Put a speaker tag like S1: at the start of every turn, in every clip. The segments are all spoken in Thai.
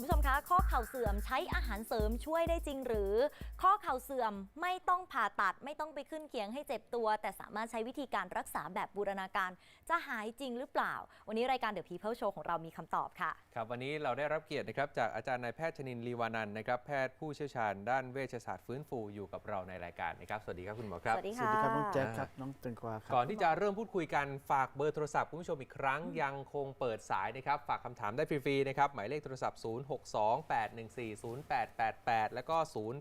S1: คุณผู้ชมคะข้อเข่าเสื่อมใช้อาหารเสริมช่วยได้จริงหรือข้อเข่าเสื่อมไม่ต้องผ่าตัดไม่ต้องไปขึ้นเคียงให้เจ็บตัวแต่สามารถใช้วิธีการรักษาแบบบูรณาการจะหายจริงหรือเปล่าวันนี้รายการ The People Show ของเรามีคำตอบค่ะ
S2: ครับวันนี้เราได้รับเกียรตินะครับจากอาจารย์นายแพทย์ชนินทร์ ลีวานันท์นะครับแพทย์ผู้เชี่ยวชาญด้านเวชศาสตร์ฟื้นฟูอยู่กับเราในรายการนะครับสวัสดีครับคุณหมอครับ
S1: สวัสดี
S3: สวัสดีครับน้องแจ๊คครับน้องเตงกวาครับ
S2: ก่อนที่จะเริ่มพูดคุยกันฝากเบอร์โทรศัพท์คุณผู้ชมอีกครั้งยังคงเปิดสายนะครับฝากคำถามได้ฟรีๆนะครับหมายเลขโทรศัพท์ 0628140888 แล้วก็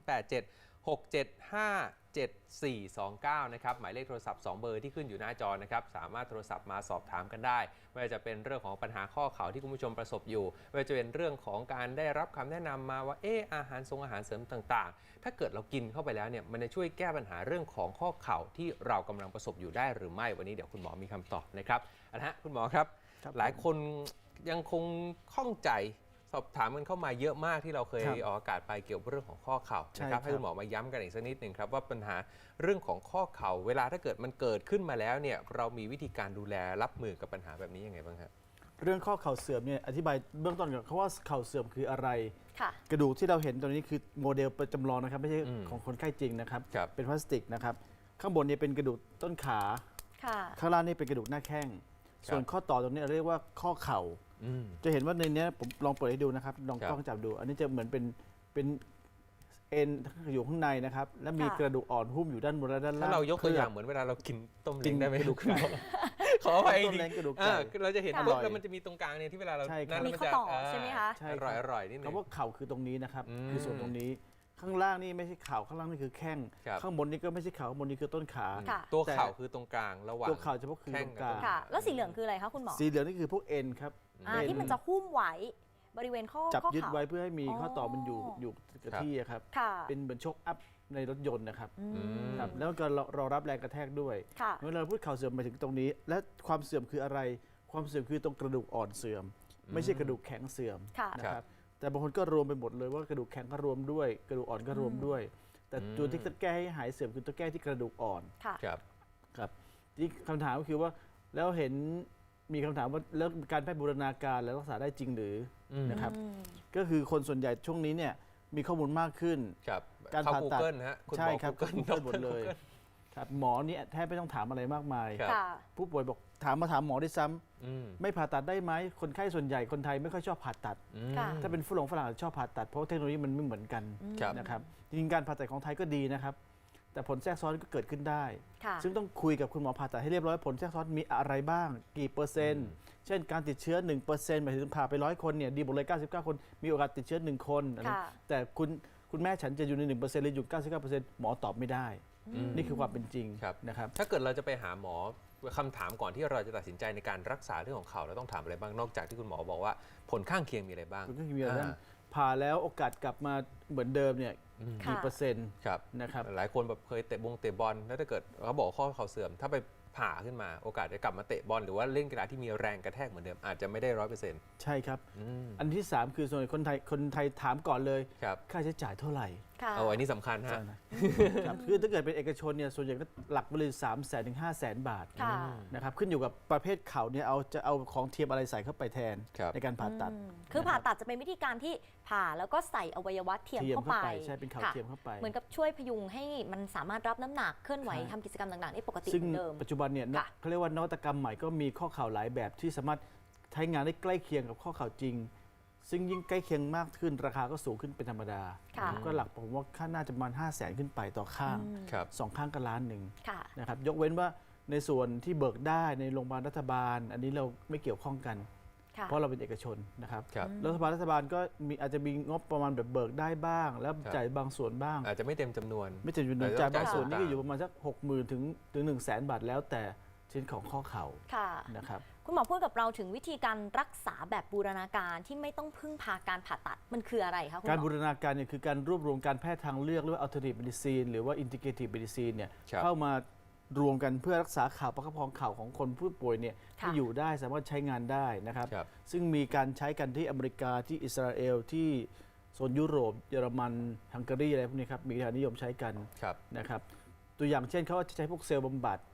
S2: 0876757429 นะครับหมายเลขโทรศัพท์2เบอร์ที่ขึ้นอยู่หน้าจอนะครับสามารถโทรศัพท์มาสอบถามกันได้ไม่ว่าจะเป็นเรื่องของปัญหาข้อเข่าที่คุณผู้ชมประสบอยู่ไม่ว่าจะเป็นเรื่องของการได้รับคำแนะนำมาว่าอาหารเสริมต่างๆถ้าเกิดเรากินเข้าไปแล้วเนี่ยมันจะช่วยแก้ปัญหาเรื่องของข้อเข่าที่เรากำลังประสบอยู่ได้หรือไม่วันนี้เดี๋ยวคุณหมอมีคำตอบนะครับคุณหมอครับหลายคนยังคงข้องใจสอบถามกันเข้ามาเยอะมากที่เราเคยออกอากาศไปเกี่ยวกับเรื่องของข้อเข่านะครับให้คุณหมอมาย้ำกันอีกสักนิดหนึ่งครับว่าปัญหาเรื่องของข้อเข่าเวลาถ้าเกิดมันเกิดขึ้นมาแล้วเนี่ยเรามีวิธีการดูแลรับมือกับปัญหาแบบนี้ยังไงบ้างครับ
S3: เรื่องข้อเข่าเสื่อมเนี่ยอธิบายเบื้องต้นก่อนเขาว่าเข่าเสื่อมคืออะไร
S1: ค่ะ
S3: กระดูกที่เราเห็นตอนนี้คือโมเดลประจำลองนะครับไม่ใช่ของคนไข้จริงนะครับเป็นพลาสติกนะครับข้างบนเนี่ยเป็นกระดูกต้นขาข้างล่างนี่เป็นกระดูกหน้าแข้งส่วนข้อต่อตรงนี้เราเรียกว่าข้อเข่าจะเห็นว่าในนี้ผมลองเปิดให้ดูนะครับลองกล้องจับดูอันนี้จะเหมือนเป็นเอ็นอยู่ข้างในนะครับและมีกระดูกอ่อนหุ้มอยู่ด้านบนและด้านล่าง
S2: ถ้าเรายกตัวอย่างเหมือนเวลาเรากินต้มเล้งได้ไหม
S3: กระดูกไก่
S2: ขอไป
S3: ต้มเล้งกระดูกไก่
S2: เราจะเห็นปุ๊บแล้วมันจะมีตรงกลางเนี่ยที่เวลาเรา
S1: มีข้อต่อใช่ไหมคะ
S2: อร่อยนิดนึง
S3: คำว่าเข่าคือตรงนี้นะครับคือส่วนตรงนี้ข้างล่างนี่ไม่ใช่เข่าข้างล่างนี่คือแข้งข้างบนนี่ก็ไม่ใช่เข่าข้างบนนี่คือต้นขา
S2: ตัวเข่าคือตรงกลางระหว่าง
S3: ตัวเข่าเฉพาะคือตรงกลาง
S1: แล้วสีเหลืองคืออะไรคะคุณหมอ
S3: สีเหลืองนี่คือพวกเอ็นครับ
S1: ที่มันจะหุ้มไว้บริเวณข้อ
S3: จับยึดไว้เพื่อให้มีข้อต่อมันอยู่กับที่ครับเป็นเหมือนชกอัพในรถยนต์นะครับแล้วก็รอรับแรงกระแทกด้วยเมื่อเราพูดเข่าเสื่อมมาถึงตรงนี้และความเสื่อมคืออะไรความเสื่อมคือตรงกระดูกอ่อนเสื่อมไม่ใช่กระดูกแข็งเสื่อมนะครับแต่บางคนก็รวมไปหมดเลยว่ากระดูกแข็งก็รวมด้วยกระดูกอ่อนก็รวมด้วยแต่ตัวที่จะแก้ให้หายเสื่อมคือตัวแก้ที่กระดูกอ่อนครับที่คำถามก็คือว่าแล้วเห็นมีคำถามว่าแล้วการแพทย์บูรณาการแล้วรักษาได้จริงหรือนะครับก็คือคนส่วนใหญ่ช่วงนี้เนี่ยมีข้อมูลมากขึ้น
S2: การผ่าตัด
S3: ใช่ครับก็หมดเลยครับหมอนี่แทบไม่ต้องถามอะไรมากมายผู้ป่วยบอกถามหมอได้ซ้ำไม่ผ่าตัดได้ไหมคนไข้ส่วนใหญ่คนไทยไม่ค่อยชอบผ่าตัดถ้าเป็นฝรั่งชอบผ่าตัดเพราะเทคโนโลยีมันไม่เหมือนกันนะครับจริงการผ่าตัดของไทยก็ดีนะครับแต่ผลแทรกซ้อนก็เกิดขึ้นได้ซึ่งต้องคุยกับคุณหมอผ่าตัดให้เรียบร้อยผลแทรกซ้อนมีอะไรบ้างกี่เปอร์เซ็นต์เช่นการติดเชื้อ 1% หมายถึงผ่าไป100 คนเนี่ยดีหมดเลย99 คนมีโอกาสติดเชื้อ1 คนแต่คุณแม่ฉันจะอยู่ใน 1% หรืออยู่ 99% หมอตอบไม่ได้นี่คือความเป็นจริงนะครับ
S2: ถ้าเกิดเราจะไปหาหมอคำถามก่อนที่เราจะตัดสินใจในการรักษาเรื่องของเข่าเราต้องถามอะไรบ้างนอกจากที่คุณหมอบอกว่าผลข้างเคียงมีอะไรบ้าง
S3: ผลข้างเคียงมีอะไรบ้างผ่าแล้วโอกาสกลับมาเหมือนเดิมเนี่ยกี่เปอร์เซ็นต์นะครับ
S2: หลายคนแบบเคยเตะบอลแล้วถ้าเกิดเขาบอกข้อเข่าเสื่อมถ้าไปผ่าขึ้นมาโอกาสจะกลับมาเตะบอลหรือว่าเล่นกีฬาที่มีแรงกระแทกเหมือนเดิมอาจจะไม่ได้100%
S3: ใช่ครับอันที่3คือส่วนคนไทยถามก่อนเลยค่าใช้จ่ายเท่าไหร่
S2: อันนี้สำคัญฮะ
S3: คือถ้าเกิดเป็นเอกชนเนี่ยส่วนใหญ่ก็หลักไปเลย300,000 ถึง 500,000 บาทนะครับขึ้นอยู่กับประเภทเข่าเนี่ยจะเอาของเทียมอะไรใส่เข้าไปแทนในการผ่าตัด
S1: คือผ่าตัดจะเป็นวิธีการที่ผ่าแล้วก็ใส่อวัยวะเทียมเข้าไป
S3: ใช่เป็นเข่าเทียมเข้าไป
S1: เหมือนกับช่วยพยุงให้มันสามารถรับน้ำหนักเคลื่อนไหวทำกิจกรรมต่างๆได้ปกติเหมือนเดิม
S3: ปัจจุบันเนี่ยเขาเรียกว่านวัตกรรมใหม่ก็มีข้อเข่าหลายแบบที่สามารถใช้งานได้ใกล้เคียงกับข้อเข่าจริงซึ่งยิ่งใกล้เคียงมากขึ้นราคาก็สูงขึ้นเป็นธรรมดาก็หลักผมว่าค่าน่าจะประมาณ500,000 ขึ้นไปต่อข้าง2 ข้างก็1 ล้านนะครับยกเว้นว่าในส่วนที่เบิกได้ในโรงพยาบาลรัฐบาลอันนี้เราไม่เกี่ยวข้องกันเพราะเราเป็นเอกชนนะครับรัฐบาลก็อาจจะมีงบประมาณแบบเบิกได้บ้างแล้วจ่ายบางส่วนบ้าง
S2: อาจจะไม่เต็มจำนวน
S3: จ่ายบางส่วนนี่ก็อยู่ประมาณสัก60,000 ถึง 100,000 บาทแล้วแต่ชิ้นของข้อเข่านะครับ
S1: คุณหมอพูดกับเราถึงวิธีการรักษาแบบบูรณาการที่ไม่ต้องพึ่งพาการผ่าตัดมันคืออะไรคะคุณหมอ
S3: การบูรณาการเนี่ยคือการรวบรวมการแพทย์ทางเลือกหรือว่า alternative medicine หรือว่า integrative medicine เนี่ยเข้ามารวมกันเพื่อรักษาเข่าประคับประคองเข่าของคนผู้ป่วยเนี่ยที่อยู่ได้สามารถใช้งานได้นะครับซึ่งมีการใช้กันที่อเมริกาที่อิสราเอลที่โซนยุโรปเยอรมันฮังการีอะไรพวกนี้ครับมีการนิยมใช้กันนะครับตัวอย่างเช่นเขาจะใช้พวกเซลล์บำบัด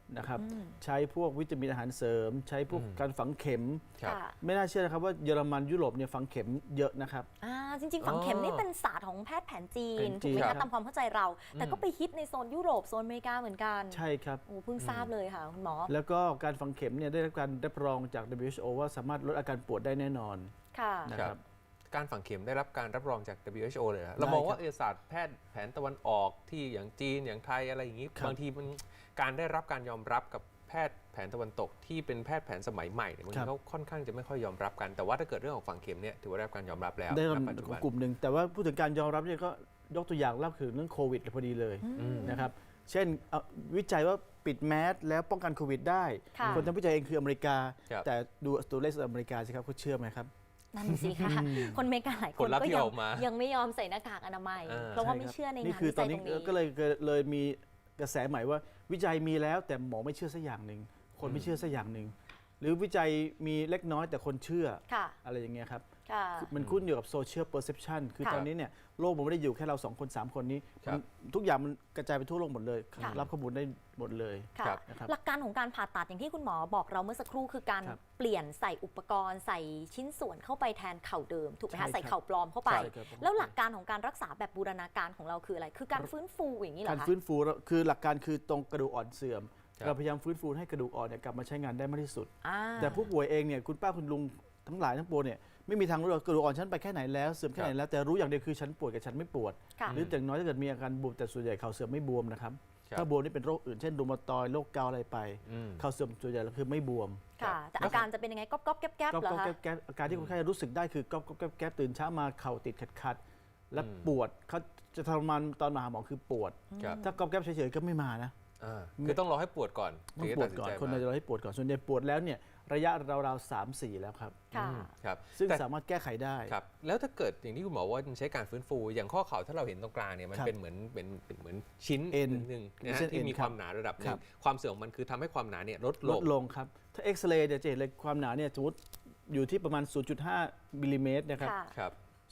S3: นะครับใช้พวกวิตามินอาหารเสริม ใช้พวกการฝังเข็ม
S2: ครับ
S3: ไม่น่าเชื่อนะครับว่าเยอรมันยุโรปเนี่ยฝังเข็มเยอะนะครับ
S1: จริงๆฝังเข็มนี่เป็นศาสตร์ของแพทย์แผนจีน
S3: แผนจี
S1: ถูก
S3: น
S1: ไหม
S3: ครั
S1: คะ
S3: บ
S1: ตามความเข้าใจเรา แต่ก็ไปฮิตในโซนยุโรปโซนอเมริกาเหมือนกัน
S3: ใช่ครับ
S1: โอ้เพิ่งทราบเลยค่ะคุณหมอ
S3: แล้วก็การฝังเข็มเนี่ยได้รับการรับรองจาก WHO ว่าสามารถลดอาการปวดได้แน่นอน
S1: ค่ะ
S3: นะครับ
S2: การฝังเข็มได้รับการรับรองจาก WHO เลยเหรอ
S3: ได้
S2: เรามอง
S3: ครั
S2: ว่า
S3: บ
S2: ศาสตร์แพทย์แผนตะวันออกที่อย่างจีนอย่างไทยอะไรอย่างนี้
S3: ครับ
S2: บางทีมันการได้รับการยอมรับกับแพทย์แผนตะวันตกที่เป็นแพทย์แผนสมัยใหม่เนี่ยบางทีเขาค่อนข้างจะไม่ค่อยยอมรับกันแต่ว่าถ้าเกิดเรื่องของฝังเข็มเนี่ยถือว่าได้รับการยอมรับแล้ว
S3: ได้
S2: ณปัจจุ
S3: ข
S2: บั
S3: อง
S2: น
S3: กลุ่มหนึ่งแต่ว่าพูดถึงการยอมรับเนี่ยก็ยกตัวอย่างเล่าถึงเรื่องโควิดพอดีเลยนะครับเช่นวิจัยว่าปิดแมสแล้วป้องกันโควิดได้
S1: ค่ะ
S3: คนทำวิจัยเองคืออเมริกา
S2: ครับ
S3: แต่ดูตัวเลขอเมริกาสิครับเขาเชื่อไหมครับ
S1: นั่นสิค่ะ คนอเมริกาหลายค
S2: ผล
S1: น
S2: ลัพธ์
S1: ก็
S2: ที่
S1: ยั
S2: ออกมายั
S1: ยังไม่ยอมใส่หน้ากากอนามัย
S2: อ่า
S1: เพราะว่า
S3: ใช่
S1: ไม่
S3: ครับ
S1: เชื่อใน
S3: นี่
S1: งาน
S3: คือ
S1: วิ
S3: ตอ
S1: จั
S3: น
S1: ยต
S3: นี้
S1: รงนี้
S3: ก็เลยมีกระแสใหม่ว่าวิจัยมีแล้วแต่หมอไม่เชื่อสักอย่างหนึ่งคนไม่เชื่อสักอย่างหนึ่งหรือวิจัยมีเล็กน้อยแต่คนเชื่อ
S1: ค่ะ
S3: อะไรอย่างเงี้ยครับ
S1: ค่ะ
S3: มันคุ้นอยู่กับโซเชียลเพอร์เซพชันคือ
S1: ค่ะ
S3: ตอนนี้เนี่ยโลกมันไม่ได้อยู่แค่เรา2 คน 3 คนนี้
S2: ครับ
S3: ทุกอย่างมันกระจายไปทั่วโลกหมดเลย
S1: ค่ะ
S3: รับข้อมูลได้หมดเลย
S1: ค่ะ
S2: ครับ
S3: นะครับ
S1: หลักการของการผ่าตัดอย่างที่คุณหมอบอกเราเมื่อสักครู่คือการ
S3: ครับ
S1: เปลี่ยนใส่อุปกรณ์ใส่ชิ้นส่วนเข้าไปแทนเข่าเดิมถูกไหม
S3: ใช่ครั
S1: คะ
S3: บ
S1: ใส่เข่าปลอมเข้าไป
S3: ใช่ครับ
S1: แล้วหลักการของการรักษาแบบบูรณาการของเราคืออะไร คือการฟื้นฟูอย่างนี้เหร
S3: กา
S1: อ
S3: ร
S1: คะ
S3: ฟื้นฟูคือหลักการคือตรงกระดูกอ่อนเสื่อม
S2: ครับ
S3: เราพยายามฟื้นฟูให้กระดูกอ่อนเนี่ยกลับมาใช้งานได้มากที่สุด
S1: อ่า
S3: แต่ผู้ป่วยเองเนี่ยคุณป้าคุณลุงทั้งหลายทั้งปวงเนี่ยไม่มีทางรู้หรอกกระดูกอ่อนฉันไปแค่ไหนแล้วเสื่อมแค่ไหนแล้วแต่รู้อย่างเดียวคือฉันปวดกับฉันไม่ปวด
S1: ค่ะ
S3: หรืออย่างน้อยถ้าเกิดมีอาการบวมแต่ส่วนใหญ่เข่าเสื่อมไม่บวมนะครับ
S2: ครับ
S3: ถ้าบวมนี่เป็นโรคอื่นเช่นรูมาตอยด์โรคเกาต์อะไรไป
S2: อืม
S3: เข่าเสื่อมส่วนใหญ่แล้วคือไม่บวม
S1: ค่ะ แต่อาการจะเป็นยังไงก๊อบๆแก๊บๆเหรอคะ
S3: แก๊บอาการที่คนไข้รู้สึกได้คือก๊อบแก๊บตื่นเช้ามาเข่าติดขัดๆและ
S2: อืม
S3: ปวดเขาจะทรมานตอนมาหาหมอคือปวด
S2: ครับ
S3: ถ้าก๊อบแก๊บเฉยๆก็ไม่มานะ
S2: คือต้องรอให้ปวดก่อน
S3: ต้อง
S2: ถึจะ
S3: ปว
S2: ตั
S3: ด
S2: สิ
S3: ก่อน
S2: ใจ
S3: คน
S2: มา
S3: เราจะรอให้ปวดก่อนส่วนใหญ่ปวดแล้วเนี่ยระยะราวๆ3-4 แล้วครับ
S1: ค่ะ
S2: ครับ
S3: ซึ่ง
S2: แต่
S3: สามารถแก้ไขได้
S2: ครับแล้วถ้าเกิดอย่างที่คุณหมอว่ามันใช้การฟื้นฟูอย่างข้อเข่าถ้าเราเห็นตรงกลางเนี่ยมัน
S3: ครับ
S2: เป็นเหมือนชิ้น
S3: เอ็น
S2: หนึ่งนะ
S3: เส้
S2: ฮะ
S3: นเอ็
S2: ที่
S3: น
S2: มี
S3: ค
S2: ครับ วามหนาระดับห
S3: ค
S2: นึ่
S3: รั
S2: ง
S3: บ
S2: ความเสื่อมของมันคือทำให้ความหนาเนี่ยลด
S3: ล
S2: ล
S3: ด
S2: ง
S3: ลงครับ ถ้าเอ็กซเรย์จะเห็นเลยความหนาเนี่ยสมมติอยู่ที่ประมาณ 0.5 มิลลิเมตรนะครับ
S1: ค่ะ
S2: ครับ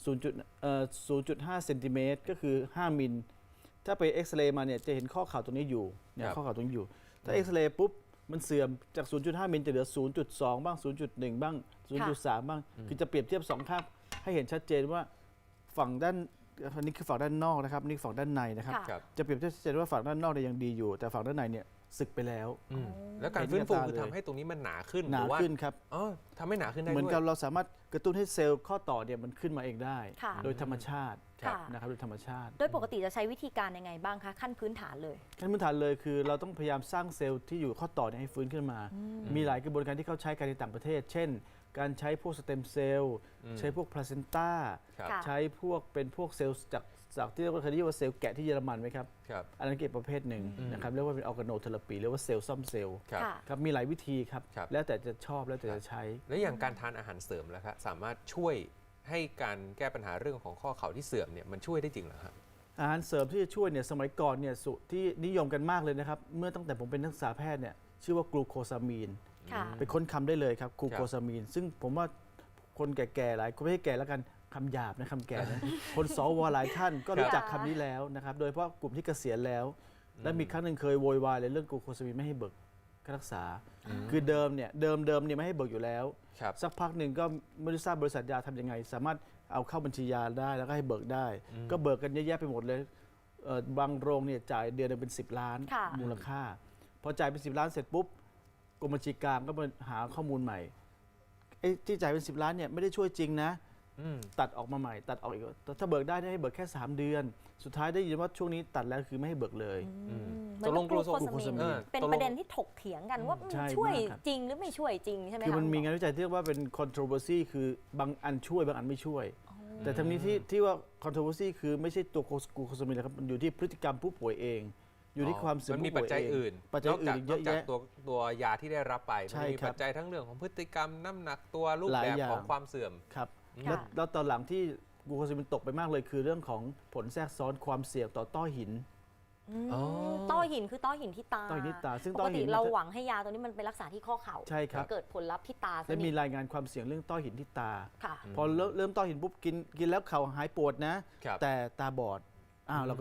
S3: 0.5 เซนติเมตรก็คือ 5 มิล ถ้าไปเอ็กซเรย์มาเนี่ยจะเห็นข้อเข่าตรงนี้อยู่เนี่ย
S2: ครับ
S3: ข้อเข่าตรงนี้อยู่ ถ้าเอ็กซเรย์ปุ๊บมันเสื่อมจาก 0.5 มิลจะเหลือ 0.2 บ้าง 0.1 บ้าง 0.3 บ้าง คือจะเปรียบเทียบ2ข้างให้เห็นชัดเจนว่าฝั่งด้านอันนี้คือฝั่งด้านนอกนะครับนี่ฝั่งด้านในนะครับ
S1: ค่ะ
S2: ครับ
S3: จะเปรียบเทียบชัดเจนว่าฝั่งด้านนอกเนี่ยยังดีอยู่ แต่ฝั่งด้านในเนี่ยสึกไปแล้ว
S2: อืมแล้วการฟื้นฟูคือทำให้ตรงนี้มันหนาขึ้น
S3: หนา
S2: รือว่า
S3: ขึ้นครับ
S2: อ๋อทำให้หนาขึ้นได้
S3: เหมือน
S2: ด้วย
S3: กับเราสามารถกระตุ้นให้เซลล์ข้อต่อเนี่ยมันขึ้นมาเองได้
S1: ค่ะ
S3: โดยธรรมชาติ
S1: ค่ะ
S3: นะครับโดยธรรมชาติ
S1: โดยปกติจะใช้วิธีการยังไงบ้างคะ ขั้นพื้นฐานเลย
S3: ขั้นพื้นฐานเลยคือเราต้องพยายามสร้างเซลล์ที่อยู่ข้อต่อเนี่ยให้ฟื้นขึ้นมา มีหลายกระบวนการที่เขาใช้กันในต่างประเทศ เช่น การใช้พวกสเต็มเซลล์ ใช้พวกพลาเซนต้า
S2: ครับ
S1: ค่ะ
S3: ใช้พวกเป็นพวกเซลล์จากที่เราเคยเรียกว่าเซลล์แกะที่เยอรมันไหมครับ
S2: ครับ
S3: อันนั้นเก็บประเภทหนึ่งนะครับเรียกว่าเป็นออร์แกโนเทอราปีเรียกว่าเซลล์ซ่อมเซลล์
S2: ครับ
S1: ค่ะ
S3: ครับมีหลายวิธีครับ
S2: ครับ
S3: แล้วแต่จะชอบแล้วแต่จะใช้
S2: แล้วอย่างการทานอาหารเสริมแล้วครับสามารถช่วยให้การแก้ปัญหาเรื่องของข้อเข่าที่เสื่อมเนี่ยมันช่วยได้จริงเหรอครับ
S3: อาหารเสริมที่จะช่วยเนี่ยสมัยก่อนเนี่ยที่นิยมกันมากเลยนะครับเมื่อตั้งแต่ผมเป็นนักศึกษาแพทย์เนี่ยชื่อว่ากลูโคซามีน
S1: ค่ะ
S3: ไปค้นคำได้เลยครับกลูโคซามีนซึ่งผมว่าคนแก่ๆหลายคนไม่ใช่แก่แล้วกันคำหยาบนะคำแก่นะ คนสวหลายท่านก็รู้จักคำนี้แล้วนะครับโดยเฉพาะกลุ่มที่เกษียณแล้ว และมีครั้งหนึ่งเคยโวยวายเลยเรื่องกลูโคซามีนไม่ให้เบิกค่ารักษา คือเดิมเนี่ยไม่ให้เบิกอยู่แล้ว
S2: ครับ
S3: สักพักหนึ่งก็ไม่รู้ทราบบริษัทยาทำยังไง สามารถเอาเข้าบัญชียาได้แล้วก็ให้เบิกได้ ก็เบิกกันเยอะแยะไปหมดเลยบางโรงเนี่ยจ่ายเดือนหนึงเป็น10 ล้าน
S1: ค่ะ
S3: มูลค่า พอจ่ายเป็น10 ล้านเสร็จปุ๊บกรมบัญชีกลางก็มาหาข้อมูลใหม่ไอ้ที่จ่ายเป็น10 ล้านเนี่ยไม่ได้ช่วยจริงนะ
S2: อืม
S3: ตัดออกมาใหม่ตัดออกอีกถ้าเบิกได้ให้เบิกแค่3 เดือน สุดท้ายได้ยินว่าช่วงนี้ตัดแล้วคือไม่ให้เบิกเลย
S1: เหมือน
S2: ตกลง
S1: กลูโค
S3: กลูโค
S1: ซา
S3: ซามี
S1: มีน
S3: น
S1: เป็นประเด็นที่ถกเถียงกันว่า
S3: ใช่
S1: ช่วย
S3: มากครับ
S1: จริงหรือไม่ช่วยจริงใช่ไหม
S3: คือ
S1: คะ
S3: มันมี
S1: ณห
S3: งานวิจัยที่เรียกว่าเป็น controversy คือบางอันช่วยบางอันไม่ช่วย แต่ทั้งนี้ที่ว่า controversy คือไม่ใช่ตัวกลูโคซามีนนะครับมันอยู่ที่พฤติกรรมผู้ป่วยเอง อยู่ที่ความเสื่อม
S2: มันมี
S3: ผู้
S2: ปัจ
S3: ป่วย
S2: จัย
S3: เอง
S2: อื่น
S3: ปัจจัยอื่น
S2: นอกจาก
S3: เยอะแยะ
S2: ตัวยาที่ได้รับไป
S3: ใช่
S2: มันมี
S3: ครับ
S2: ปัจจัยทั้งเรื่องของพฤติกรรมน้ำหนักตัวรูป
S3: หลาย
S2: แบบ
S3: อย่าง
S2: ของความเสื่อม
S3: ครับ
S1: ค่ะ
S3: แล้วตอนหลังที่กลูโคซามีนตกไปมากเลยคือเรื่องของผลแทรกซ้อนความเสี่ยงต่อต้อหิน
S2: อ๋อ
S1: ต้อหินคือต้อหินที่ตา
S3: ต้อหินที่ตาซึ่ง
S1: ป
S3: ต้
S1: ก
S3: อหิ
S1: ติ
S3: น
S1: เราหวังให้ยาตัวนี้มันไปรักษาที่ข้อเข่า
S3: ใช่ครับ
S1: เกิดผลลัพธ์ที่ตาซะ
S3: และมี
S1: นี่
S3: รายงานความเสี่ยงเรื่องต้อหินที่ตา
S1: ค่ะ
S3: พอเริ่มต้อหินปุ๊บกินแล้วเข่าหายปวดนะ
S2: ครับ
S3: แต่ตาบอดเราก็ไป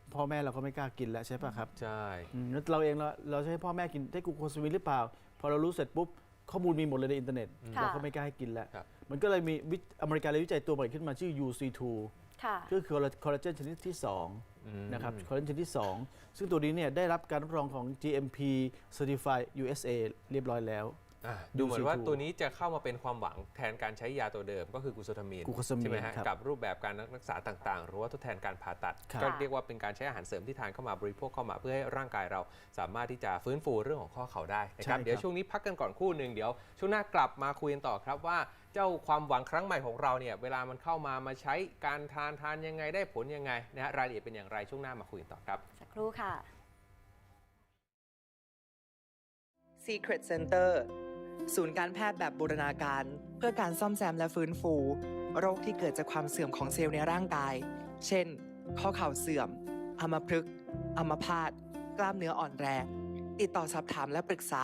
S3: พ่อแม่เราก็ไม่กล้ากินแล้วใช่ป่ะครับ
S2: ใช่
S3: แล้วเราเองเราจะให้พ่อแม่กินได้กลูโคสมินหรือเปล่าพอเรารู้เสร็จปุ๊บข้อมูลมีหมดเลยในอินเทอร์เน็ต
S1: ค่ะ
S3: เราก็ไม่กล้าให้กินแล้ว
S2: ครับ
S3: มันก็เลยมีอเมริกาเลยวิจัยตัวใหม่ขึ้นมาชื่อ UC2
S1: ค่ะ
S3: ก็คือคอลลาเจนชนิดที่2นะครับคอลลาเจนชนิดที่2ซึ่งตัวนี้เนี่ยได้รับการรับรองของ GMP Certified USA เรียบร้อยแล้ว
S2: ดูเหมือนว่า
S3: UC2
S2: ตัวนี้จะเข้ามาเป็นความหวังแทนการใช้ยาตัวเดิมก็คือกลูโซทามีน
S3: กลูโคซามีน
S2: ใช่ไหมฮะ
S3: ครับ
S2: กับรูปแบบการรักษาต่างๆ หรือว่าทดแทนการผ่าตัด
S3: ครับ
S2: ก็เรียกว่าเป็นการใช้อาหารเสริมที่ทานเข้ามาบริโภคเข้ามาเพื่อให้ร่างกายเราสามารถที่จะฟื้นฟูเรื่องของข้อเข่าได้นะครับเดี๋ยวช่วงนี้พักกันก่อนครู่หนึ่งเดี๋ยวช่วงหน้ากลับมาคุยกันต่อครับว่าเจ้าความหวังครั้งใหม่ของเราเนี่ยเวลามันเข้ามาใช้การทานยังไงได้ผลยังไงนะฮะรายละเอียดเป็นอย่างไรช่วงหน้ามาคุยกันต่อครับ
S1: สักครู่ค่ะ
S4: Secret Center ศูนย์การแพทย์แบบบูรณาการเพื่อการซ่อมแซมและฟื้นฟู โรคที่เกิดจากความเสื่อมของเซลล์ในร่างกาย เช่น ข้อเข่าเสื่อม อัมพฤกษ์ อัมพาต กล้ามเนื้ออ่อนแรง ติดต่อสอบถามและปรึกษา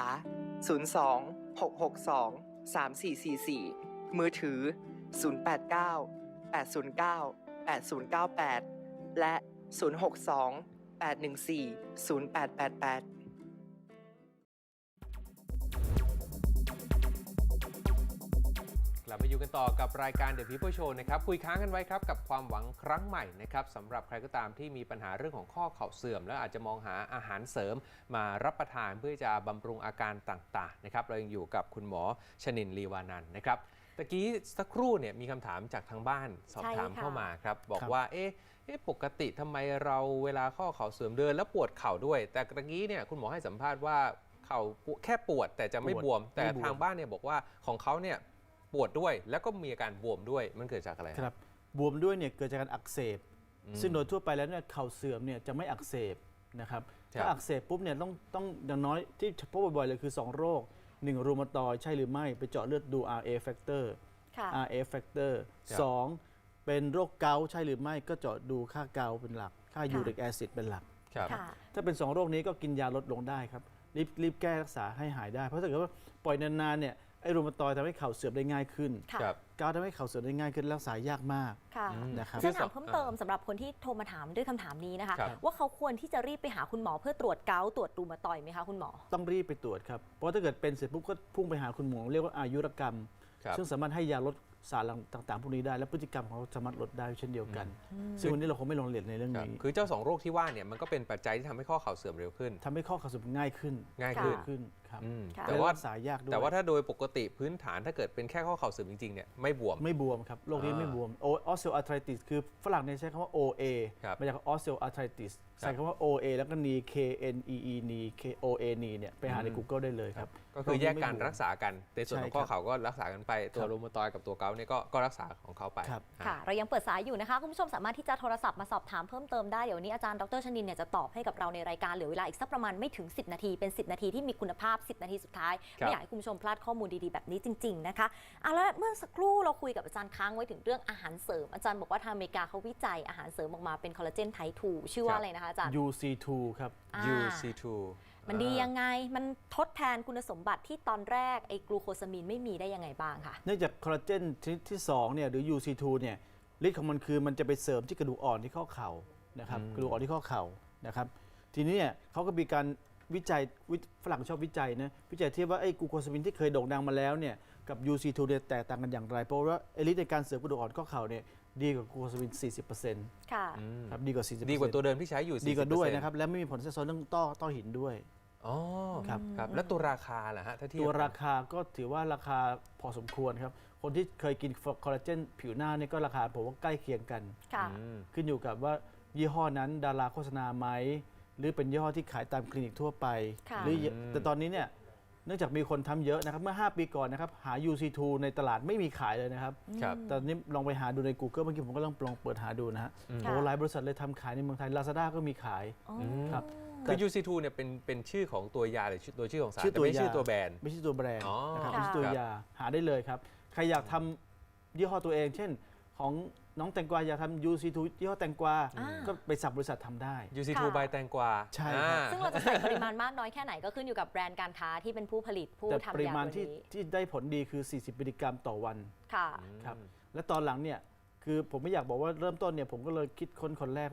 S4: 02-662-3444 มือถือ 089-809-8098 และ 062-814-0888
S2: กลับมาอยู่กันต่อกับรายการ The People Show นะครับคุยค้างกันไว้ครับกับความหวังครั้งใหม่นะครับสำหรับใครก็ตามที่มีปัญหาเรื่องของข้อเข่าเสื่อม แล้วอาจจะมองหาอาหารเสริมมารับประทานเพื่อจะบำรุงอาการต่างๆนะครับเรายังอยู่กับคุณหมอชนินทร์ลีวานันท์นะครับตะกี้สักครู่เนี่ยมีคำถามจากทางบ้านสอบถาม
S1: ใช่ค่ะ
S2: เข้ามาครับบอก
S3: ครับ
S2: ว่าปกติทำไมเราเวลาข้อเข่าเสื่อมเดินแล้วปวดเข่าด้วย แต่ตะกี้เนี่ยคุณหมอให้สัมภาษณ์ว่าเข่าแค่ปวดแต่จะไม่บวม แต่ทางบ้านเนี่ยบอกว่าของเขาเนี่ยปวดด้วยแล้วก็มีอาการบวมด้วยมันเกิดจากอะไร
S3: ครับบวมด้วยเนี่ยเกิดจากการอักเสบ ซึ่งโดยทั่วไปแล้วเนี่ยเข่าเสื่อมเนี่ยจะไม่อักเสบนะครับถ้าอักเสบปุ๊บเนี่ยต้องอย่างน้อยที่พบบ่อยๆเลยคือ 2 โรค 1 รูมาตอยด์ใช่หรือไม่ไปเจาะเลือดดู RA factor
S1: ค่ะ
S3: RA factor 2 เป็นโรคเกาต์ใช่หรือไม่ก็เจาะดูค่าเกาต์เป็นหลัก ค่ายูริกแอซิดเป็นหลัก
S2: ครับ
S1: ค่ะ
S3: ถ้าเป็น 2 โรคนี้ก็กินยาลดลงได้ครับรีบแก้รักษาให้หายได้ เพราะถ้าเกิดว่าปล่อยนานๆเนี่ยไอ้รูมาตอยด์ทำให้เข่าเสื่อมได้ง่ายขึ้น
S1: ค่ะ
S2: ครับ
S3: เกาต์ทำให้เข่าเสื่อมได้ง่ายขึ้นรักษายากมาก
S1: ค่ะ
S3: นะครับ
S1: จะถามเพิ่มเติมสำหรับคนที่โทรมาถามด้วยคำถามนี้นะคะ
S2: ครับ
S1: ว่าเขาควรที่จะรีบไปหาคุณหมอเพื่อตรวจเกาต์ตรวจรูมาตอยด์ไหมคะคุณหมอ
S3: ต้องรีบไปตรวจครับ เพราะถ้าเกิดเป็นเสร็จปุ๊บก็พุ่งไปหาคุณหมอเรียกว่าอายุรกรรม
S2: ครับ
S3: ซึ่งสามารถให้ยาลดสารต่างๆพวกนี้ได้ และพฤติกรรมของเขาสามารถลดได้เช่นเดียวกัน ซึ่งวันนี้เราคงไม่ลงรายละเอียดในเรื่อง
S2: ครับ
S3: นี้
S2: คือเจ้า2โรคที่ว่าเนี่ยมันก็เป็นปัจจัยที่ทำให้ข้อเข่าเสื่อมเร็วขึ้น
S3: ทำให้ข้อเข่าเสื่อมง่ายขึ้น
S2: ง่าย
S1: ค่ะ
S2: ขึ้น
S3: ครับ
S1: ค่ะ
S2: แต่
S3: และ
S2: ว่า
S3: รักษายากด้วย
S2: แต่ว่าถ้าโดยปกติพื้นฐานถ้าเกิดเป็นแค่ข้อเข่าเสื่อมจริงๆเนี่ยไม่บวม
S3: ไม่บวมครับโรคนี้ไม่บวมออสเซลอาร์ไทติสคือฝรั่งเนี่ยใช้คำว่า OA
S2: ครับ
S3: มาจากออสเซลอาร์ไทติสใส่คำว่า OA แล้วก็ knee KNEE knee KOA knee เนี่ยไปหาใน Google ได้เลยครับ
S2: ก็คือแยกการรักษากันในส่วนของ
S3: ใช่
S2: ข้อ
S3: ครับ
S2: เข่าก็รักษากันไปตัว
S3: ครับ
S2: รูมาตอยด์กับตัวเกาต์เนี่ยก็รักษาของเขาไป
S3: ครับ
S1: ค่ะ เรายังเปิดสายอยู่นะคะ คุณผู้ชมสามารถที่จะโทรศัพท์มาสอบถามเพิ่มเติมได้ เดี๋ยววันนี้อาจารย์ดรชนินเนี่ยจะตอบให้กับเราในรายการเหลือเวลาอีกสักประมาณไม่ถึง 10 นาที เป็น 10 นาทีที่มีคุณภาพ 10 นาทีสุดท้าย
S2: ครับ
S1: ไม่อยากให้คุณผู้ชมพลาดข้อมูลดีๆแบบนี้จริง ๆ นะคะแล้วเมื่อสักครู่เราคุยกับอาจารย์ค้างไว้ถึงเรื่องอาหารเสริม อาจารย์บอกว่าทางอเมริกาเขาวิจัยอาหารเสริมออกมาเป็นคอลลาเจนไทป์ 2 ชื่อว่าอะไรนะคะอาจารย์
S3: UC2 ครับ
S2: UC2
S1: มันดียังไง มันทดแทนคุณสมบัติที่ตอนแรกไอ้กลูโคซามีนไม่มีได้ยังไงบ้างคะ
S3: เนื่องจากคอลลาเจนชนิดที่2เนี่ยหรือ UC2 เนี่ยฤทธิ์ของมันคือมันจะไปเสริมที่กระดูกอ่อนที่ข้อเข่านะครับกระดูกอ่อนที่ข้อเข่านะครับทีนี้เนี่ยเขาก็มีการวิจัยฝรั่งชอบวิจัยนะวิจัยเทียบว่าไอ้กลูโคซามินที่เคยโด่งดังมาแล้วเนี่ยกับ UC2 เนี่ยแตกต่างกันอย่างไร เพราะว่าไอ้ฤทธิ์ในการเสริมกระดูกอ่อนข้อเข่าเนี่ยดีกว่ากลูโคซามิน 40%
S1: ค่ะ
S3: ครับดีกว่า 40%
S2: ดีกว่าตัวเดิมที่ใช้อยู่
S3: ดีกว่าด้วย
S2: 40%
S3: นะครับและไม่มีผลแทรกซ้อนเรื่องต้อหินด้วย
S2: อ๋อ
S3: ครับ
S2: ครับแล้วตัวราคาล่ะฮะถ้าเทียบ
S3: ตัวราคาก็ถือว่าราคาพอสมควรครับคนที่เคยกินคอลลาเจนผิวหน้าเนี่ยก็ราคาผมว่าใกล้เคียงกัน
S1: ค่ะ
S3: ขึ้นอยู่กับว่ายี่ห้อนั้นดาราโฆษณาไหมหรือเป็นยี่ห้อที่ขายตามคลินิกทั่วไป
S1: ค่ะ
S3: หรือแต่ตอนนี้เนี่ยเนื่องจากมีคนทำเยอะนะครับเมื่อ 5 ปีก่อนนะครับหา UC2 ในตลาดไม่มีขายเลยนะครับ
S2: ครับ
S3: ตอนนี้ลองไปหาดูใน Google เมื่อกี้ผมก็ลองเปิดหาดูนะฮะโอ้หลายบริษัทเลยทำขายในเมืองไทย Lazada ก็มีขาย
S1: อ๋อ
S3: ครับ
S2: คือ UC2 เนี่ยเป็นชื่อของตัวยาหรือตัวชื่อของสาร
S3: ชื่อ
S2: แต่
S3: ตัว
S2: ไม่ใช่
S3: ยา
S2: ชื่อตัวแบรนด์
S3: ไม่ใช่ตัวแบรนด์
S2: อ๋อ
S3: นะครับ
S1: ค่ะ
S3: ไม่ใช่ตัวยาหาได้เลยครับใครอยากทำยี่ห้อตัวเอง เช่นของน้องแตงกวาอยากทำ UC2 ยี่ห้อแตงกวา
S1: อ่า
S3: ก็ไปสับบริษัททำได้
S2: UC2
S1: ค่ะ
S2: ใบแตงกวา
S3: ใช่ครับ
S1: ซึ่งเราจะใส่ปริมาณมากน้อยแค่ไหนก็ขึ้นอยู่กับแบรนด์การค้าที่เป็นผู้ผลิตผู้
S3: แต่
S1: ทำ
S3: ปริ
S1: ยา
S3: มาณ
S1: ตัว
S3: ที่
S1: นี้
S3: ที่ได้ผลดีคือ 40 มิลลิกรัมต่อวัน
S1: ค่ะ
S3: ครับและตอนหลังเนี่ยคือผมไม่อยากบอกว่าเริ่มต้นเนี่ยผมก็เลยคิดค้นคนแรกว่า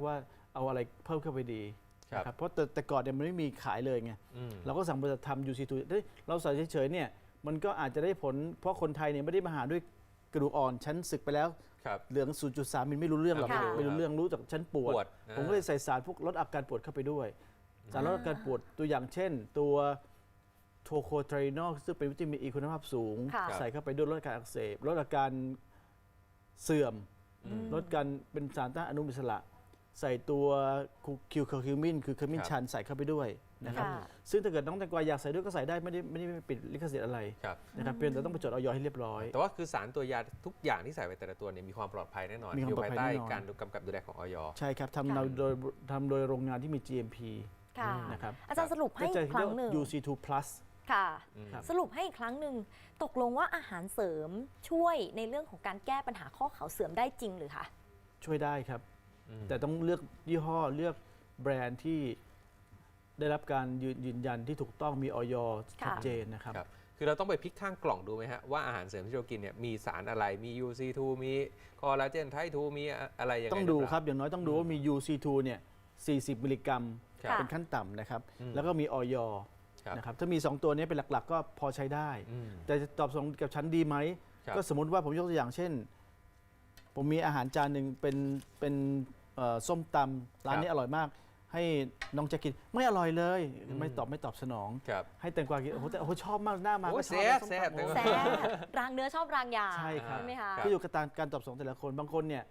S3: เอาอะไรเพิ่มเข้าไปดี
S2: ครับ
S3: นะครับเพราะแต่ก่อนเนี่ยมันไม่มีขายเลยไง เราก็สั่งบริษัททำ UC2 เราใส่เฉยๆเนี่ยมันก็อาจจะได้ผลเพราะคนไทยเนี่ยไม่ได้มาหาด้วยกระดูกอ่อนชั้นศึกไปแล้ว
S2: ครับ
S3: เหลือง 0.3 มิลไม่รู้เรื่องหรอก
S1: ค่ะ
S3: ไม่รู้เรื่องรู้จากชั้นปวด
S2: ปวด
S3: ผมก็เลยใส่สารพวกลดอาการปวดเข้าไปด้วย สารลดอาการปวดตัวอย่างเช่น ตัวโทโคไทรนอลซึ่งเป็นวิตามินอีคุณภาพสูง
S1: ค่ะ
S3: ใส่เข้าไปด้วยลดอาการอักเสบลดอาการเสื่อม ลดการเป็นสารต้านอนุมูลอิสระ ใส่ตัวคิวเคอร์คิวมินคือขมิ้นชันใส่เข้าไปด้วยนะครับ
S1: ค่ะ
S3: ซึ่งถ้าเกิดน้องแตงกวาอยากใส่ด้วยก็ใส่ได้ไม่ได้ปิดลิขสิทธิ์อะไร
S2: ครับ
S3: นะครับเพียงแต่ต้องไปจดออยให้เรียบร้อย
S2: แต่ว่าคือสารตัวยาทุกอย่างที่ใส่ไปแต่ละตัวเนี่ยมีความปลอดภัยแน่นอน
S3: มีความ
S2: อยู่
S3: ปลอด
S2: ภาย
S3: ภัย
S2: ใต้
S3: แน่นอน
S2: การกำกับดูแลของอย
S3: ใช่ครับ
S1: ค่ะ
S3: ทำโดยโรงงานที่มี GMP
S1: ค่ะ
S3: นะครับ
S1: อาจารย์สรุปให้
S3: ก็จะ
S1: อีกครั้งหนึ่ง
S3: UC2 Plus
S1: ค่ะ
S3: ครับ
S1: สรุปให้อีกครั้งหนึ่งตกลงว่าอาหารเสริมช่วยในเรื่องของการแก้ปัญหาข้อเข่าเสื่อมได้จริงหรือคะ
S3: ช่วยได้ครับ
S2: อืม
S3: แต่ต้องเลือกยี่ห้อเลือกแบรนด์ที่ได้รับการยืนยันที่ถูกต้องมีออยชัดเจนนะครับ
S2: ครับคือเราต้องไปพลิกข้างกล่องดูไหมฮะว่าอาหารเสริมที่เรากินเนี่ยมีสารอะไรมี UC2 มีคอลลาเจนไทป์2มีอะไรยังไง
S3: ต้องดู
S2: หเปล่า
S3: ครับอย่างน้อยต้องดูว่ามี UC2 เนี่ย40 มิลลิกรัม
S2: ครับ
S3: เป็นขั้นต่ำนะครับ
S2: อืม
S3: แล้วก็มีออย
S2: ครับ
S3: นะครับถ้ามี 2 ตัวนี้เป็นหลักๆ ก็พอใช้ได้
S2: อืม
S3: แต่จะตอบสนองกับฉันดีไหม
S2: ครับ
S3: ก็สมมุติว่าผมยกตัวอย่างเช่น ผมมีอาหารจานหนึ่งเป็นส้มตำร้านนี้อร่อยมาก ให้น้องแจะกินไม่อร่อยเลย ไม่ตอบสนอง
S2: ครับ
S3: ให้แตงกวากินโอ้โหแต่โอ้โหชอบมากหน้ามา
S2: โอ้
S3: ก็ชอบ
S2: แซ่บ
S3: ส้ม
S2: แซ่บ
S3: ตำโอ้
S1: แซ่บรางเนื้อชอบรางยา
S3: ใช่ครับ
S1: ไหมคะ
S2: รับ
S3: ก็อยู่กับการตอบสนองแต่ละคนบางคนเนี่ย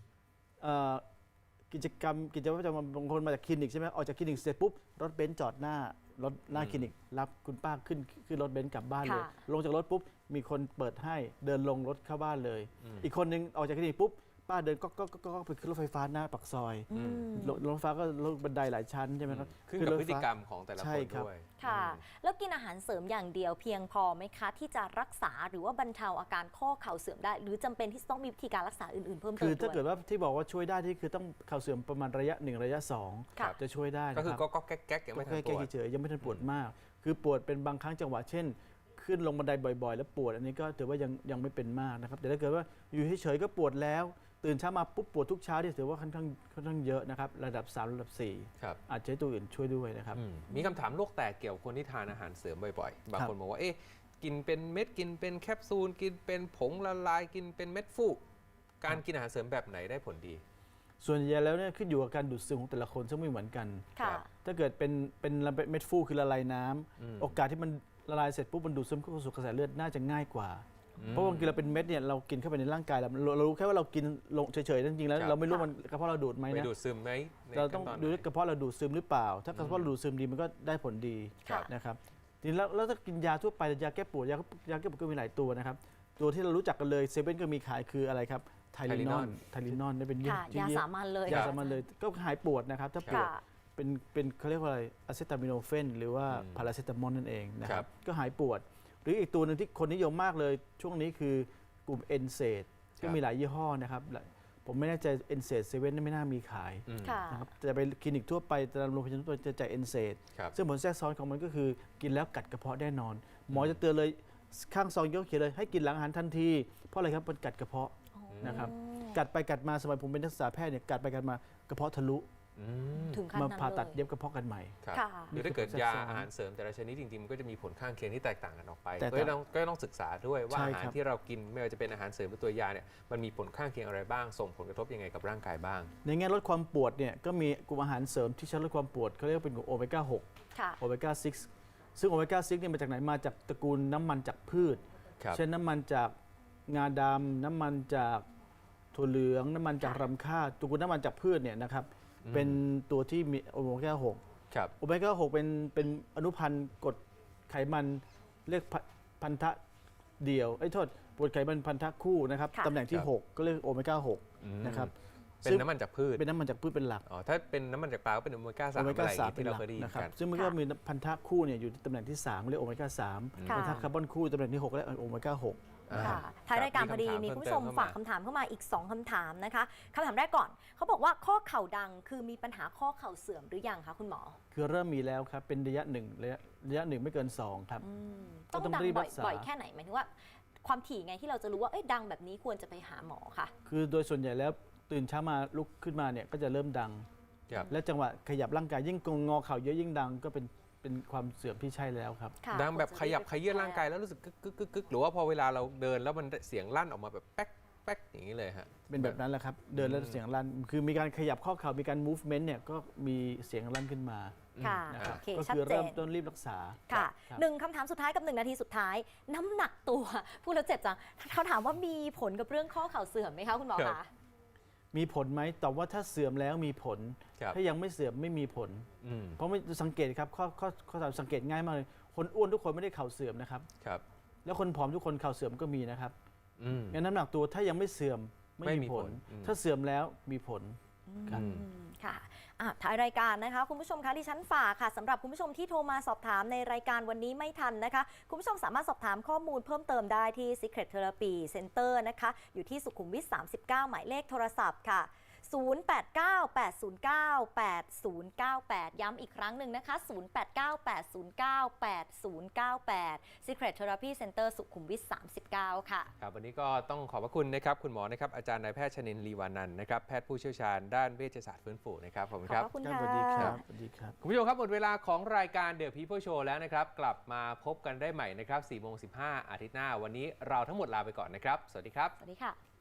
S3: กิจวัตรประจำวันบางคนมาจากคลินิกใช่ไหมออกจากคลินิกเสร็จปุ๊บรถเบนซ์จอดหน้าคลินิกรับคุณป้าขึ้นรถเบนซ์กลับบ้านเลย
S1: ค่ะ
S3: ลงจากรถปุ๊บมีคนเปิดให้เดินลงรถเข้าบ้านเลย อีกคนนึงออกจากคลินิกปุ๊บป้าเดินก็ไปขึ้นรถไฟฟ้าหน้าปากซอย
S1: อืม
S3: รถไฟฟ้าก็รถบันไดหลายชั้นใช่ไหมครับ
S2: ขึ้นกับ
S3: รถ
S2: พฤ
S3: ไฟ
S2: ติ
S3: ฟ้าก
S2: รรมของแต่ละ
S3: ใช่
S2: คน
S3: ครับ
S2: ด้วย
S1: ค่ะ แล้วกินอาหารเสริมอย่างเดียวเพียงพอไหมคะ ที่จะรักษาหรือว่าบรรเทาอาการข้อเข่าเสื่อมได้ หรือจำเป็นที่จะต้องมีวิธีการรักษาอื่นๆเพิ่มเติม
S3: คือ
S1: ด้
S3: ถ้าเกิ
S1: ว
S3: ด
S1: ย
S3: ว่าที่บอกว่าช่วยได้ที่คือต้องเข่าเสื่อมประมาณระยะ 1 ระยะ
S1: ค่ะ
S3: 2 จะช่วยได้นะ
S2: ก็คือ
S3: รับ
S2: ก็แก๊กๆยังไม่ทันป
S3: แค่
S2: วด
S3: เฉยๆยังไม่ทันปวดมาก คือปวดเป็นบางครั้งจังหวะเช่น ขึ้นลงบันไดบ่อยๆ แล้วปวดอันนี้ก็ถือว่ายังไม่เป็นมากนะครับแต่ถ้าเกิดว่าอยู่เฉยๆก็ปวดแล้ว ตื่นเช้ามาปุ๊บปวดทุกเช้าที่ถือว่าค่อนข้างเยอะนะครับระดับ 3 ระดับ
S2: ครับ
S3: 4 อาจจะใช้ตัวอื่นช่วยด้วยนะครับ
S2: มีคำถามโลกแตกเกี่ยวกับคนที่ทานอาหารเสริมบ่อยๆ บาง
S3: ครับ
S2: คนบอกว่าเอ๊ะกินเป็นเม็ดกินเป็นแคปซูลกินเป็นผงละลายกินเป็นเม็ดฟูการกินอาหารเสริมแบบไหนได้ผลดี
S3: ส่วนใหญ่แล้วเนี่ยขึ้นอยู่กับการดูดซึมของแต่ละคนซึ่งไม่เหมือนกัน
S1: ค่ะ
S3: ถ้าเกิดเป็นเม็ดฟูคือละลายน้ำโอกาสที่มันละลายเสร็จปุ๊บมันดูดซึมเข้าสู่กระแสเลือดน่าจะง่ายกว่า เพราะบางทีเราเป็นเม็ดเนี่ยเรากินเข้าไปในร่างกายเรารู้แค่ว่าเรากินลงเฉยๆจริงๆแล้ว
S2: ครับ
S3: เราไม่รู้มันกระเพาะเราดูดไหม
S2: ไป
S3: นะ
S2: ดูดซึมไหมใน
S3: เราต้อง
S2: ขั้นน
S3: ดู
S2: ไหน
S3: ว่ากระเพาะเราดูดซึมหรือเปล่า ถ้ากระเพาะเราดูดซึมดีมันก็ได้ผลดี
S1: ค่ะ
S3: นะครับทีนี้แล้วถ้ากินยาทั่วไปยาแก้ปวดยาแก้ปวดก็มีหลายตัวนะครับตัวที่เรารู้จักกันเลยเซเว่นก็มีขายคืออะไรครับไทลินอนนี่เป็น
S1: ค่ะ ยาสามัญเลย
S3: ยาสามัญเลยก็หายปวดนะครับถ้าปวด
S1: ค่ะ
S3: เป็นเขาเรียกว่าอะไรอะเซตามิโนเฟนหรือว่าพาราเซตามอลนั่นเองนะค
S2: ครั
S3: รับบ ก็หายปวด หรืออีกตัวหนึ่งที่คนนิยมมากเลยช่วงนี้คือกลุ่มเอนเซดก็มีหลายยี่ห้อนะครับผมไม่แน่ใจเอนเซดเซเว่นไม่น่ามีขาย
S1: ค่ะ
S3: นะครับแต่ไปคลินิกทั่วไปตามโรงพยาบาลทั่วไปจะจ่ายเอนเซด
S2: ครับ
S3: ซึ่งผลแทรกซ้อนของมันก็คือกินแล้วกัดกระเพาะแน่นอน หมอจะเตือนเลยข้างซองยกเขียนเลยให้กินหลังอาหารทันทีเพราะอะไรครับมันกัดกระเพาะนะครับกัดไปกัดมาสมัยผมเป็นนักศึกษาแพทย์เนี่ยกัดไปกัดมากระเพาะทะลุ
S1: ถึงขั้น
S3: มา
S1: นั้น
S3: ผ่าตัด
S1: เลย
S3: เย็บกระเพาะกันใหม่
S2: ครับ
S1: ค่ะ
S2: หรือถ้าเกิด
S3: นี่คือย
S2: า
S3: ผลแทรกซ้อน
S2: อาหารเสริมแต่ละชนิดจริงๆมันก็จะมีผลข้างเคียงที่แตกต่างกันออกไป
S3: แตก
S2: ก็
S3: ต่าง
S2: ต้องศึกษาด้วยว่า
S3: ใช่
S2: อาหาร
S3: ครับ
S2: ที่เรากินไม่ว่าจะเป็นอาหารเสริมหรือตัวยาเนี่ยมันมีผลข้างเคียงอะไรบ้าง ส่งผลกระทบยังไงกับร่างกายบ้าง
S3: ในแง่ลดความปวดเนี่ยก็มีกลุ่มอาหารเสริมที่ใช้ลดความปวดเขาเรียกว่าเป็นกลุ่มโอเมก้า
S1: ค่ะ
S3: 6 โอเมก้า 6 ซึ่งโอเมก้า 6เนี่ยมาจากไหนมาจากตระกูลน้ำมันจากพืช
S2: ครับ
S3: เช่นน้ำมันจากงาดำน้ำมันจากถั่วเหลืองน้ำมันจากรำข้าวตระกูลน้ำมันจากพืชเนี่ยนะครับเป็นตัวที่มีโอเมก้า 6
S2: ครับ
S3: โอเมก้า 6 เป็นอนุพันธ์กรดไขมันเรียกพันธะเดี่ยวโทษกรดไขมันพันธะคู่นะครับ
S1: ค่ะ
S3: ตำแหน่งที่
S2: ครับ
S3: 6 ก็เรียกโอเมก้า 6 นะครับ
S2: เป็นน้ำมันจากพืช
S3: เป็นน้ำมันจากพืชเป็นหลัก
S2: อ๋อถ้าเป็นน้ำมันจากปลาก็เป็นโอเมก้า3
S3: โอเม
S2: อะไร
S3: ก้า
S2: อย่าง
S3: 3
S2: งี้
S3: เป็น
S2: ที่
S3: ห
S2: เรา
S3: ลัก
S2: เคยได้ยิน
S3: นะครับ
S2: กัน
S3: ซึ่งมันก็มีพันธะคู่เนี่ยอยู่ที่ตำแหน่งที่ 3 เรียกโอเมก้า 3
S1: ค่ะ
S3: พันธะคาร์บอนคู่ตำแหน่งที่ 6 เรียกโอเมก้า 6
S1: ค่ะท้ายรายการพอดีมีคุณผู้ชมฝากคำถามเข้ามาอีก 2คำถามนะคะคำถามแรกก่อนเขาบอกว่าข้อเข่าดังคือมีปัญหาข้อเข่าเสื่อมหรือยังคะคุณหมอ
S3: คือเริ่มมีแล้วครับ เป็นระยะหนึ่งไม่เกิน 2 ครับ ก็
S1: ต้อง
S3: ต้อง
S1: ดัง
S3: รีบ
S1: บ่
S3: รักษา
S1: อยแค่ไหนหมายถึงว่า ความถี่ไงที่เราจะรู้ว่าเอ้ยดังแบบนี้ควรจะไปหาหมอค่ะ
S3: คือโดยส่วนใหญ่แล้วตื่นเช้ามาลุกขึ้นมาเนี่ยก็จะเริ่มดัง
S2: ครับ
S3: และจังหวะขยับร่างกายยิ่งงอเข่าเยอะยิ่งดังก็เป็นความเสื่อมที่ใช่แล้วครับ
S1: ค่ะ
S2: ดังแบบขยับขยื่นร่างกายแล้วรู้สึกกึกกึกกึกกึกหรือว่าพอเวลาเราเดินแล้วมันเสียงลั่นออกมาแบบแป๊กแป๊กอย่างนี้เลยฮะ
S3: เป็นแบบนั้นแหละครับเดินแล้วเสียงลั่นคือมีการขยับข้อเข่ามีการ movement เนี่ยก็มีเสียงลั่นขึ้นมา
S1: ค่ะ
S3: นะครับ
S1: โอเค
S3: ก็
S1: ชัด
S3: คือ
S1: เจ
S3: เริ่
S1: น
S3: มต้นรีบรักษา
S1: ค่ะ
S3: รับ
S1: หนึ่งคำถามสุดท้ายกับ 1 นาทีสุดท้าย น้ำหนักตัวพูดแล้วเจ็บจังเขาถามว่ามีผลกับเรื่องข้อเข่าเสื่อมไหมคะคุณหมอ
S2: ครั
S1: คะ
S2: บ
S3: มีผลไหมตอบว่าถ้าเสื่อมแล้วมีผล
S2: ครับ
S3: ถ้ายังไม่เสื่อมไม่มีผล
S2: อืม
S3: เพราะไม่สังเกตครับข้อสังเกตง่ายมากเลยคนอ้วนทุกคนไม่ได้เข่าเสื่อมนะครับ
S2: ครับ
S3: แล้วคนผอมทุกคนเข่าเสื่อมก็มีนะครับ
S2: อืม
S3: งั้นน้ำหนักตัวถ้ายังไม่เสื่อมไม่
S2: ไม่มี
S3: มีผล
S2: ผลอืม
S3: ถ้าเสื่อมแล้วมีผล ครับ
S2: อืม
S1: ค่ะท้ายรายการนะคะคุณผู้ชมคะดิฉันฝากค่ะสำหรับคุณผู้ชมที่โทรมาสอบถามในรายการวันนี้ไม่ทันนะคะคุณผู้ชมสามารถสอบถามข้อมูลเพิ่มเติมได้ที่ Secret Therapy Center นะคะอยู่ที่สุขุมวิท 39 หมายเลขโทรศัพท์ค่ะ 0898098098 ย้ำอีกครั้งหนึ่งนะคะ 0898098098 Secret Therapy Center สุขุมวิท 39 ค่ะ
S2: ครับวันนี้ก็ต้องขอบพระคุณนะครับคุณหมอนะครับอาจารย์นายแพทย์ชนินทร์ลีวานันท์นะครับแพทย์ผู้เชี่ยวชาญด้านเวชศาสตร์ฟื้นฟูนะครับขอบคุณ
S1: ข
S2: ค
S1: อบ
S2: รับ
S1: พระคุณ
S3: ครับ
S1: ค่ะ
S3: สวัสดีครับสวัสดีครับ
S2: คุณผู้ชมครับหมดเวลาของรายการ The People Show แล้วนะครับกลับมาพบกันได้ใหม่นะครับ 4:15 อาทิตย์หน้าวันนี้เราทั้งหมดลาไปก่อนนะครับสวัสดีครับ
S1: สวัสดีค่ะ